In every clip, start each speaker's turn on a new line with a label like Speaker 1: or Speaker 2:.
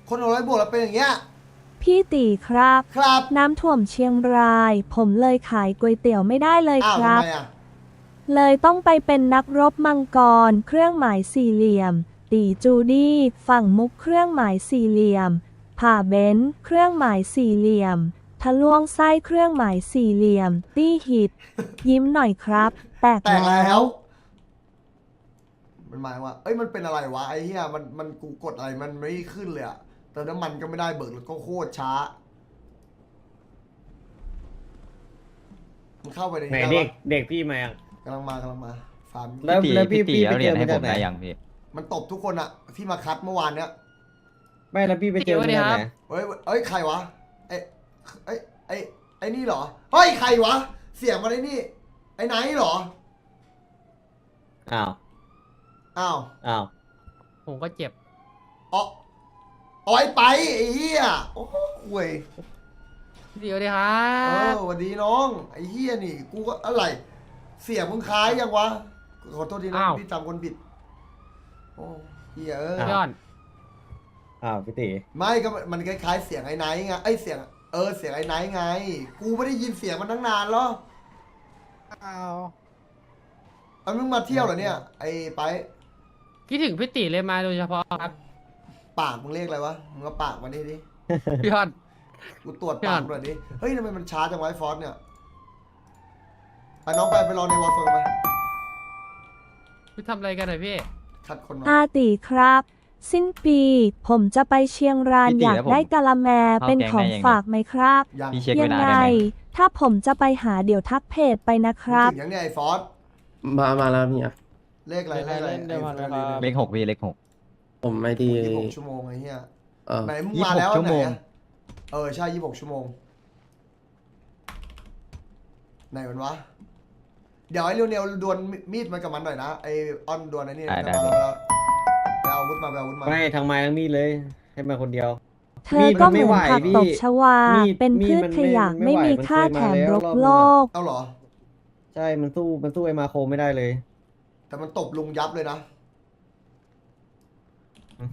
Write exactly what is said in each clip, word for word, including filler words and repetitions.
Speaker 1: คนหกร้อยบวกแล้วเป็นอย่างเงี้ย
Speaker 2: พี่ตีครับ
Speaker 1: ครับ
Speaker 2: น้ำท่วมเชียงราย ผมเลยขายก๋วยเตี๋ยวไม่ได้เลย
Speaker 1: อ้าว
Speaker 2: ครับ
Speaker 1: ทำไมอ่ะ
Speaker 2: เลยต้องไปเป็นนักรบมังกรเครื่องหมายสี่เหลี่ยม ตีจูดี้ฝั่งมุกเครื่องหมายสี่เหลี่ยม ผ่าเบนซ์เครื่องหมายสี่เหลี่ยม ทะลวงไส้เครื่องหมายสี่เหลี่ยม ตี้หิต ยิ้มหน่อยครับ แตก
Speaker 1: แตก
Speaker 2: แล้
Speaker 1: แล้ว
Speaker 2: ว
Speaker 1: มันหมายว่า เอ้ย มันเป็นอะไรวะไอ้เหี้ย มัน มันกูกดอะไร มันไม่ขึ้นเลยอะเติมน้ำมันก็ไม่ได้เบิกแล้วก็โคตรช้า มันเข้าไปใน
Speaker 3: ไหน
Speaker 1: นี้
Speaker 3: เด็
Speaker 1: ได้
Speaker 3: ก
Speaker 1: ปะ
Speaker 3: เด็กพี่มายัง
Speaker 1: กำลังมากำลังมา ฟาร์ม
Speaker 3: แล้ว
Speaker 4: พี่ตี
Speaker 3: แล้วพี่
Speaker 4: พี่ตี
Speaker 3: พี่
Speaker 4: เอา
Speaker 3: ไป
Speaker 4: เหรี
Speaker 3: เจ
Speaker 4: ยญ
Speaker 3: อ
Speaker 4: ให้
Speaker 3: มา
Speaker 4: ผ
Speaker 3: จาก
Speaker 4: ม
Speaker 3: ไหน
Speaker 4: ได้ยังพี่
Speaker 1: มันตบทุกคนอะที่มาคัดเมื่อวานเนี้ย
Speaker 3: ไม่แล้วพี่ไปเจอมาจากไหน
Speaker 1: เฮ้ยเอ้ย ใครวะไอ้ไอ้ไอ้ไอ้นี่เหรอ เฮ้ย ใครวะ เสียงมาไอ้นี่ ไอ้ไหนเหรอ
Speaker 3: อ้าว
Speaker 1: อ้าว
Speaker 3: อ้าว
Speaker 5: ผมก็เจ็บ
Speaker 1: อ๋ออ๋อไอ้ไปไอ้เหี้ย โอ้โหเว้ย
Speaker 5: พี่เดียวดีครั
Speaker 1: เออบ สวัสดีน้อง ไอ้เหี้ยนี่ กูก็อะไร เสียงมึงคล้ายยังวะ ขอโทษทีนะ
Speaker 5: อ้าว
Speaker 1: พี่จำคนผิด โอ้เหี้ยเออ
Speaker 5: ยอด
Speaker 3: อ้าวพี่ตี
Speaker 1: ไม่ก็มันคล้ายๆเสียงไอ้ไนท์ไงไอ้ยเสียง เออ เสียงไอ้ไนท์ไง กูไม่ได้ยินเสียงมันตั้งนานแล้ว
Speaker 5: อ้าว
Speaker 1: เอามึงมาเที่ยวเหรอเนี่ย ไอ้ไป
Speaker 5: คิดถึงพี่ติเลยมาโดยเฉพาะครับ
Speaker 1: ปากมึงเรียกอะไรวะ มึงเอาปากมาดิดิ
Speaker 5: พี่ยอด
Speaker 1: กูตรวจ
Speaker 5: พี่
Speaker 1: ปา
Speaker 5: อ่าก น
Speaker 1: หน่อยดิ เฮ้ยทำไมมันช้าจังวะไอ้ฟอสเนี่ย ไปน้องไปไปรอในวอลโซนไป
Speaker 5: พี่ทำอะไรกันหน่อยพี่
Speaker 1: คัดคนมา
Speaker 2: อาตีครับ สิ้นปี ผมจะไปเชียงราน
Speaker 4: พี่ตี
Speaker 2: อยาก
Speaker 4: แล้วผม
Speaker 2: ได้กะละแม
Speaker 4: เข้า
Speaker 2: เป็น
Speaker 4: แก๊ง
Speaker 2: ของ
Speaker 4: ได้ยังไง
Speaker 2: ฝากไหมครับ
Speaker 1: ยัง
Speaker 4: พี่เช็ค
Speaker 2: ยั
Speaker 4: เวลา
Speaker 2: ไง
Speaker 4: ได้ไหม
Speaker 2: ถ้าผมจะไปหาเดี๋ยวทักเพจไปนะครับ
Speaker 1: ถึงยังเนี่ยไอ้ฟอส
Speaker 6: มามาแล้วเนี่ย
Speaker 1: เลขอะไรเลขอะไร
Speaker 5: เล่นได้มาแล้วครับ
Speaker 4: เลขหกพี่เลขหก
Speaker 6: ผมไม่ดี
Speaker 1: ยี่สิบหกชั่วโมงไอ้เหี้ย
Speaker 6: เออ
Speaker 1: ไหนมึง
Speaker 4: ยี่สิ
Speaker 1: มา
Speaker 4: บหก
Speaker 1: แล้ว
Speaker 4: ชั่ว
Speaker 1: ไหน
Speaker 4: โมง
Speaker 1: อะเออใช่ยี่สิบหกชั่วโมง ไหนมันวะ เดี๋ยวไอ้เร็วเนวดวลมีดมันกับมันหน่อยนะ ไอ้ออนดวลไอ้นี่
Speaker 4: ได้ได้
Speaker 1: มาแล้วไปเอาอาวุธมาไปเอาอาวุธมา
Speaker 3: ไม่ทางไม้ทั้งมีดเลย ให้มาคนเดียว
Speaker 2: เธอก็เห
Speaker 3: มี
Speaker 2: มื
Speaker 3: ด
Speaker 2: อน
Speaker 3: มันไม่
Speaker 2: ผัก
Speaker 3: ไหว
Speaker 2: ตบ
Speaker 3: พี่
Speaker 2: ชวา
Speaker 3: มีด
Speaker 2: เป็น
Speaker 3: มี
Speaker 2: พื
Speaker 3: ด
Speaker 2: ช
Speaker 3: มัน
Speaker 2: ขยะ
Speaker 3: ไม่
Speaker 2: ไม่
Speaker 3: ไหว
Speaker 2: มี
Speaker 3: มัน
Speaker 2: ค่า
Speaker 3: เคย
Speaker 2: แถ
Speaker 3: มาม แล้ว
Speaker 2: รบ
Speaker 3: รอบนึง
Speaker 2: โลก
Speaker 1: เอาเหรอ
Speaker 3: ใช่ มันสู้ มันสู้ไอ้มาโคไม่ได้เลย
Speaker 1: แต่มันตบลุงยับเลยนะ
Speaker 3: อืม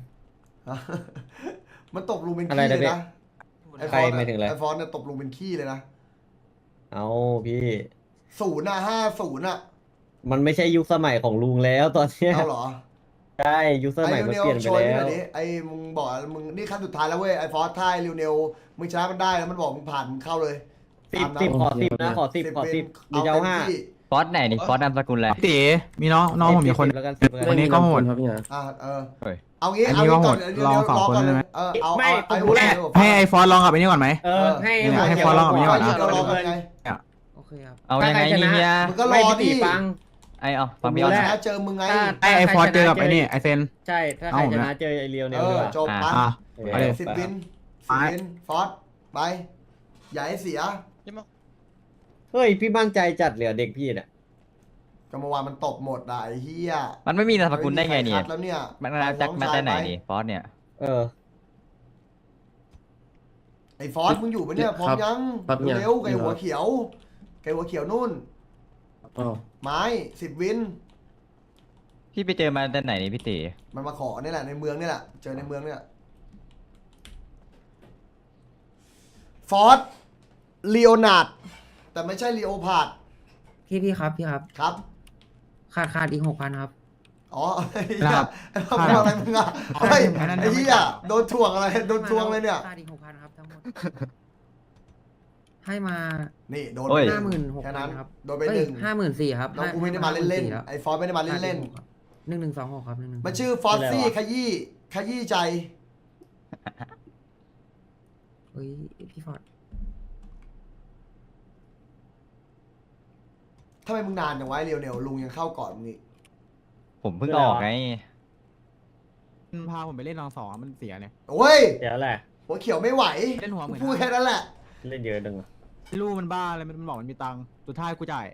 Speaker 1: มันตบลุงเป็น
Speaker 3: อะไร
Speaker 1: ขี้
Speaker 3: นะ
Speaker 1: เลย
Speaker 3: พี่
Speaker 1: นะไอ้ฟ
Speaker 3: ใคร
Speaker 1: อน
Speaker 3: หมายถึงอะไร
Speaker 1: ไอ้ฟอนเนี่ยตบลุงเป็นขี้เลยนะ
Speaker 3: เอาพี่
Speaker 1: ศูนย์อะห้าศูนย์อะ
Speaker 3: มันไม่ใช่ยุคสมัยของลุงแล้วตอนเนี้ย
Speaker 1: เอาเหรอ
Speaker 3: ใช่ยุคสมัยมัน
Speaker 1: เร็ว
Speaker 3: เปลี่ยน
Speaker 1: ๆ
Speaker 3: ไป
Speaker 1: โชว์ให้ห
Speaker 3: แล้
Speaker 1: น่อ
Speaker 3: วย
Speaker 1: ดิไอ้มึงบอกมึงนี่ขั้นสุดท้ายแล้วเว้ยไอ้ฟอสท้ายเร็วเนวมึงชนะมันได้แล้วมันบอกมึงผ่านมึงเข้าเลย
Speaker 3: สิบ
Speaker 1: ตามนั้น
Speaker 3: สิบขอสิบนะขอสิบขอสิบเดี๋ยวจะเอาห้า
Speaker 1: ต็มที่
Speaker 4: ฟอสไหนนี่ฟอสนามสกุลอะไร
Speaker 7: ตีมีน้องน้องผมมีคน
Speaker 3: สิบแล้วกันสิบแล้ว
Speaker 7: วั
Speaker 3: กัน
Speaker 7: นี้ก็โหด
Speaker 6: ครับพี่นะ
Speaker 1: อ่ะเออ
Speaker 4: เฮ้ย
Speaker 1: เอางี้
Speaker 7: อัน
Speaker 1: เอา
Speaker 7: นี้
Speaker 1: งี้
Speaker 7: ก็โห
Speaker 1: ก่อ
Speaker 7: ด
Speaker 1: นเดี๋ยว
Speaker 7: ลอง
Speaker 1: เดี๋ยว
Speaker 7: สอง
Speaker 1: รอ
Speaker 7: คน
Speaker 1: ก่อน
Speaker 7: ได้ไหม
Speaker 1: เออเอา
Speaker 3: ไม่
Speaker 1: เอา
Speaker 3: ผมรู้แล้ว
Speaker 7: ให้ไอ้ฟอสลองกับไอ้นี่ก่อนไหม
Speaker 3: เออให้
Speaker 1: ให้
Speaker 7: ให้ฟอสลองกับพี่ก่อนนะ
Speaker 1: เรารอกันไง
Speaker 6: โอเคครับ
Speaker 4: เอายังไงนี่เนี่ย
Speaker 1: มึงก็ร
Speaker 3: ไม่
Speaker 1: อ
Speaker 3: พี่
Speaker 1: ดิ
Speaker 3: ตีฟัง
Speaker 4: ไอเอาฟัง
Speaker 3: ผม
Speaker 4: พี่
Speaker 3: รู้
Speaker 4: ออน
Speaker 3: แล้ว
Speaker 1: ชนะเจอมึงไง
Speaker 3: ถ้า
Speaker 7: ไอ้ไอ้ฟอสเจอกับไอ้นี่ไอ้เซน
Speaker 3: ใช่ ถ้าใคร
Speaker 7: เอา
Speaker 3: ช
Speaker 7: นะ
Speaker 3: นะเจอไอเรียว
Speaker 1: เอ
Speaker 3: เนี่ยดี
Speaker 1: อก
Speaker 3: ว่า
Speaker 1: จบ
Speaker 4: อ่ะ
Speaker 1: ไป
Speaker 7: อ่ะ
Speaker 3: เอ
Speaker 7: เอา
Speaker 3: อ
Speaker 7: ดิ
Speaker 1: สิบวินสิบวินฟอสไปอย่าให้เสีย
Speaker 3: เฮ้ย พี่มั่นใจจัดเหลือเด็กพี่เนี่ย
Speaker 1: ก็เมื่อวานมันตบหมดอ่ะไอ้เหี้ย
Speaker 4: มันไม่มีนามสกุลได้ไงเนี่ย
Speaker 1: ม่มีใครคัแล้วเนี่ย
Speaker 4: มันมาจากมาแต่ไหนนี่ฟอสเนี่ย
Speaker 3: เออ
Speaker 1: ไอ้ฟอสมึงอยู่ปะเนี่ยพร้อมยัง
Speaker 6: ครับเนี่ย
Speaker 1: เร็วไก่หัวเขียวไก่หัวเขียวนู่น
Speaker 6: อ๋อ
Speaker 1: ไม้สิบวิน
Speaker 4: พี่ไปเจอมาแต่ไหนนี่พี่ตี
Speaker 1: มันมาขอเนี่ยแหละในเมืองเนี่ยแหละเจอในเมืองเนี่ยฟอสลีโอนาร์ดแต่ไม่ใช่ลีโอพาร์ด
Speaker 6: พี่พี่ครับพี่ครับ
Speaker 1: ครับ
Speaker 6: ขาดขาดอีกหกพันครับ
Speaker 1: อ๋อไอ้เหี้
Speaker 7: ค
Speaker 1: ย
Speaker 7: รับ
Speaker 1: ไอ้พวกอะไรมึงอ่ะเฮ้ย
Speaker 7: ไอ้นั่น
Speaker 1: ไอ้
Speaker 7: ยังไม่
Speaker 1: เหี้ย
Speaker 7: จ่าย
Speaker 1: โดนทวงอะไรโดนทวงเลยเนี่ย
Speaker 6: ขาดอีกหกพันครับทั้งหมด ให้มา
Speaker 1: นี่โดน
Speaker 4: โอ้ย
Speaker 6: ห้าหมื่นหก
Speaker 1: แค่
Speaker 6: พั
Speaker 1: นั้น น
Speaker 6: ครับ
Speaker 1: โดนไปหนึ่ง
Speaker 6: ห้าหมื่นสี่ครับ
Speaker 1: น้องกูไม่ได้มาเล่นๆไอ้ฟอสไม่ได้มาเล่น
Speaker 6: ๆหนึ่งหนึ่งสองหกครับหนึ่งหนึ่ง
Speaker 1: ๆมันชื่อฟอสซี่ขยี้ขยี้ใจ
Speaker 6: เฮ้ยพี่ฟอร์ด
Speaker 1: ทำไมมึงนานจังวะไอ้เรียวเนวลุงยังเข้าก่อนมึงอีก
Speaker 4: ผมเพิ่งออกไง
Speaker 7: มันพาผมไปเล่นรองสองอะมันเสียเนี่ย
Speaker 1: โอ้ย
Speaker 3: เดี๋ยวแหละ
Speaker 1: หัวเขียวไม่ไหว
Speaker 7: เล่นหัวเหมือน
Speaker 1: พูดแค่นั้นแหละ
Speaker 3: เล่นเยอะดึง
Speaker 7: ลูกมันบ้าอะไรมันบอกมันมีตังค์สุดท้ายกูจ่าย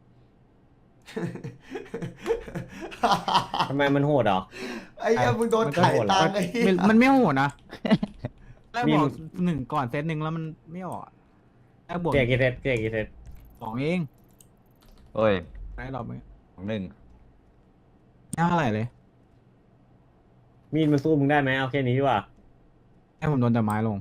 Speaker 3: ทำไมมันโหดเหรอ
Speaker 1: ไอ้เหี้ยมึงโดน
Speaker 3: มันก็
Speaker 1: ถ่าย
Speaker 3: โหด
Speaker 1: ตังค์ไอ้เหี้ย
Speaker 7: มันมันไม่โหดนะแรก
Speaker 3: มี
Speaker 7: บอกหนึ่งก่อนเซตหนึ่งแล้วมันไม่ออกอะแรกบวก
Speaker 3: เกียร์กี่เซตเกียร์กี่เซต
Speaker 7: สองเอง
Speaker 4: โอ้ย
Speaker 7: ได้รอบไหม
Speaker 4: ของหนึ่ง
Speaker 7: ไม่เท่าไหร่เลย
Speaker 3: มีดมันสู้มึงได้ไหมเอาแค่นี้ดีกว่า
Speaker 7: ให้ผมโดนแต่ไม้ลง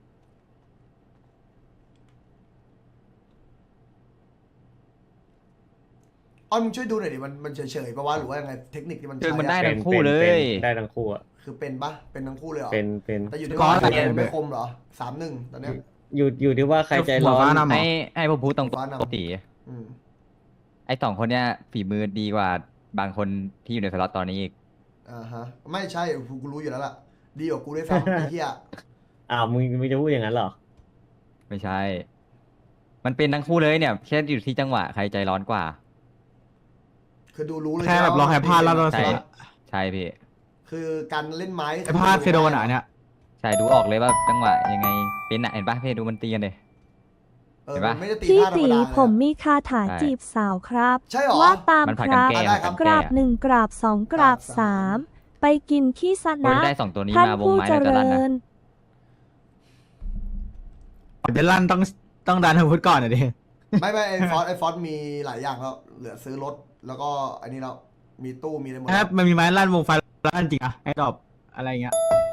Speaker 1: อ้อนมึงช่วยดูหน่อยดิมันมันเฉยๆปะวะหรือว่ายังไงเทคนิคที่มัน
Speaker 4: คือ
Speaker 1: ใช้
Speaker 4: มันได้
Speaker 1: อะ
Speaker 4: ทั้งคู่เลย
Speaker 3: ป็นได้ทั้งคู่อะ
Speaker 1: คือเป็นปะเป็นทั้งคู่เลยเหรอ
Speaker 3: เป็นเป็น
Speaker 1: แต่อยู่ที่
Speaker 7: ก้อ
Speaker 1: ว่าน ใคร
Speaker 7: อะไร
Speaker 1: ไม่คมเหรอสามหนึ่งตอนเนี้ย
Speaker 3: อยู่อยู่ที่ว่าใครใจร้อ
Speaker 7: หัวฟ้าน นำ
Speaker 4: ให้ให้ผมพูดตรง
Speaker 1: ฟ้านำ
Speaker 4: ปกติ
Speaker 1: อืม
Speaker 4: ไอ้สองคนเนี้ยฝีมือดีกว่าบางคนที่อยู่ในสล็อตตอนนี้อีก
Speaker 1: อ่าฮะไม่ใช่กูกูรู้อยู่แล้วล่ะดีกว่ากูด้วยซ้ำ ไอ้เหี้ย
Speaker 3: อ้าวมึงมึงจะพูดอย่างนั้นเหรอ
Speaker 4: ไม่ใช่ มันเป็นทั้งคู่เลยเนี่ยแค่อยู่ที่จังหวะใครใจร้อนกว่า
Speaker 1: คือดูรู้เลย
Speaker 7: แค่แบบรอแค่พลาดแล้วเรา
Speaker 4: ใช่
Speaker 7: เสีย
Speaker 4: ใช่พี่
Speaker 1: คือการเล่นไม้
Speaker 7: ไอ้พลาดเคยโดนอ่ะอันเนี่ย
Speaker 4: ใช่ดูออกเลยว่าจังหวะยังไงเป็นอะเห็นปะพี่ดูมันตีกันเลย
Speaker 1: เออ
Speaker 4: เห็นปะ
Speaker 1: มันไม่ได้ตี
Speaker 2: พี่
Speaker 1: ท่าธรร
Speaker 2: ตี
Speaker 1: มดา
Speaker 2: ผม
Speaker 1: เลย
Speaker 2: มีคาถา
Speaker 4: ใช่
Speaker 2: จีบสาวครับ
Speaker 1: ใช่เหรอ
Speaker 2: ว่าตาม
Speaker 4: มัน
Speaker 2: ค
Speaker 4: ผัดกัน
Speaker 2: รับ
Speaker 4: แก้
Speaker 1: ได้ครับ
Speaker 4: ผัด
Speaker 2: ก
Speaker 4: น
Speaker 2: รา
Speaker 4: แก้
Speaker 2: บหนึ่งกราบสองกราบสามไปกินขี้ส
Speaker 4: คน
Speaker 2: นะ
Speaker 4: ได้สองตัวนี้
Speaker 2: ท่าน
Speaker 4: มาวง
Speaker 2: ผู้
Speaker 4: ไม้
Speaker 2: เจ
Speaker 4: แล้วจะ
Speaker 2: ริ
Speaker 4: ลั่นนะ
Speaker 2: ญ
Speaker 7: เป็นลั่นต้องต้องดันอาวุธก่อนอ่ะดิ
Speaker 1: ไม่ไม่ไอ้ฟอสไอ้ฟอสมีหลายอย่างแล้วเหลือซื้อรถแล้วก็อันนี้แล้วมีตู้มีอะไรหมด
Speaker 7: ถ้า
Speaker 1: แล้ว
Speaker 7: มันมีไม้ลั่นวงไฟลั่นจริงอะไอ้ดอกอะไรเงี้ย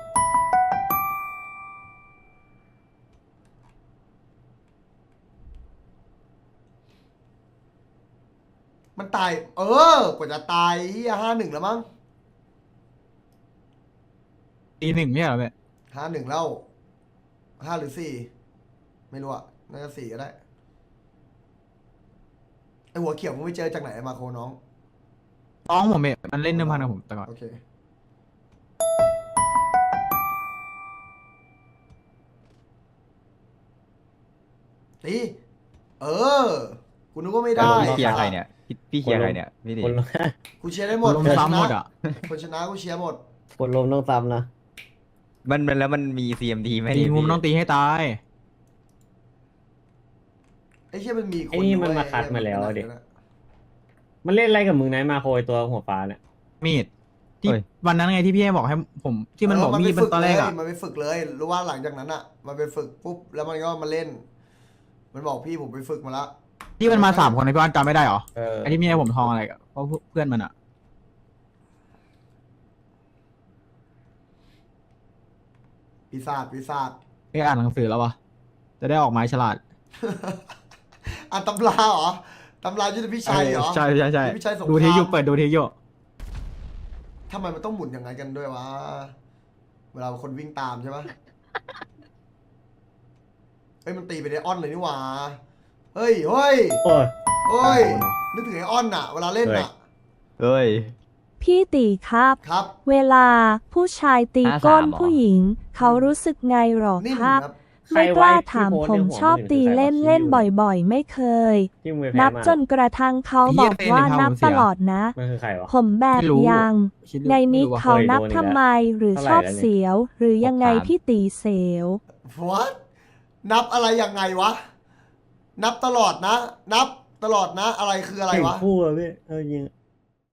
Speaker 1: มันตาย เออกว่าจะตายเฮียห้าหนึ่งแล้วมั้ง
Speaker 7: ตีหนึ่งเนี่ยเหรอเว้ย
Speaker 1: ห้าหนึ่งแล้วห้าหรือสี่ไม่รู้อะน่าจะสี่ก็ได้ไอหัวเขียวมึงไปเจอจากไหนมาโคน้อง
Speaker 7: น้องผมเองมันเล่นเดิมพันกับผมแต่ก่อน
Speaker 1: โอเคตีเออกูนึกว่าไม่ได้
Speaker 4: พี่เคลียร์ใครเนี่ยพี่พี่เคลียร์ใครเนี่ยพี่ดิ
Speaker 3: คน
Speaker 1: กูเชียร์ได้หมด
Speaker 7: ลม
Speaker 1: คนช
Speaker 7: ซ้ำห
Speaker 1: นะ
Speaker 7: มดอ่ะ
Speaker 1: คนชนะกูเชียร์หมด
Speaker 3: คนลมต้องซ้ำนะ
Speaker 4: มันมันแล้วมันมี ซี เอ็ม ดี ไหม
Speaker 7: ตี
Speaker 4: ดิ
Speaker 7: มุม
Speaker 4: พี่
Speaker 7: ต้องตีให้ตาย
Speaker 1: ไอ้เชี่ยมันมีคน
Speaker 3: ไอ้นี่มัน
Speaker 1: ด้วย
Speaker 3: มาคัดมาแล้ว
Speaker 1: ไอ้
Speaker 3: ดิ
Speaker 1: เหี้ย
Speaker 3: มันเล่นอะไรกับมึงไหนมาโคยตัวหัวฟ้าเนี่ย
Speaker 7: มีดที่วันนั้นไงที่พี่ให้บอกให้ผมที่มันบอกมีดเป็นตอนแรกอ่ะ
Speaker 1: มันไปฝึกเลยรู้ว่าหลังจากนั้นอ่ะ มันไปฝึกปุ๊บแล้วมันก็มาเล่น มันบอกพี่ผมไปฝึกมาละ
Speaker 7: ที่มันมาสามคนในพี่วันจำไม่ได้เหรอ
Speaker 3: เออ
Speaker 7: ไอ้ที่มีให้ผมทองอะไรกับเพราะเพื่อนมันอ่ะ
Speaker 1: ปีศาจปีศาจ
Speaker 7: ไปอ่านหนังสือแล้ววะจะได้ออกไม้ฉลาด
Speaker 1: อ่านตำราเหรอตำรายุทธพิชัยเหรอ
Speaker 7: ใช่ใช่ใช่
Speaker 1: ยุทธพิชัยสงคราม
Speaker 7: ดูทีอยู่เปิดดูทีอยู่
Speaker 1: ทำไมมันต้องหมุนอย่างไงกันด้วยวะเวลาคนวิ่งตามใช่ปะเฮ้ยมันตีไปได้ออนเลยนี่หว่าเฮ้ยเฮ้ย
Speaker 3: โอ้ย
Speaker 1: เฮ้ยนึกถึงไอ้ออนน่ะ เวลาเล่นน่ะ
Speaker 4: เฮ้ย
Speaker 2: พี่ตีครับ
Speaker 1: ครับ
Speaker 2: เวลาผู้ชายตี
Speaker 4: ห้าสาม
Speaker 2: ก้น
Speaker 4: เหรอ
Speaker 2: ผู้หญิง เขารู้สึกไงหรอ
Speaker 1: นิ่ม
Speaker 2: ครับ
Speaker 1: ครับ
Speaker 2: ไม่กล้าถามผมชอบตีเล่นเล่นบ่อยๆ ไม่เคย
Speaker 3: ที่มึงไปแพ้
Speaker 2: นับ
Speaker 3: มา
Speaker 2: จนกระทั่งเขาบอกว่านับตลอดนะ
Speaker 3: มันคือใครวะ
Speaker 2: ผมแบบ
Speaker 7: ไม่รู้
Speaker 2: ยัง
Speaker 7: คิดดู
Speaker 2: ในนี้
Speaker 7: ไม่รู้ว่ะ
Speaker 2: เขานับ
Speaker 3: เคยโดนอีก
Speaker 2: ทำไมหรือ
Speaker 3: เท่าไหร่
Speaker 2: ชอบ
Speaker 3: แล้วเนี่ย
Speaker 2: เสียว หรือยังไง
Speaker 4: หกสาม
Speaker 2: พี่ตีเสียว
Speaker 1: what นับอะไรยังไงวะ นับตลอดนะ นับตลอดนะ อะไรคืออะไร
Speaker 3: เก่ง
Speaker 1: วะ
Speaker 3: คู่อะพี่เออจริง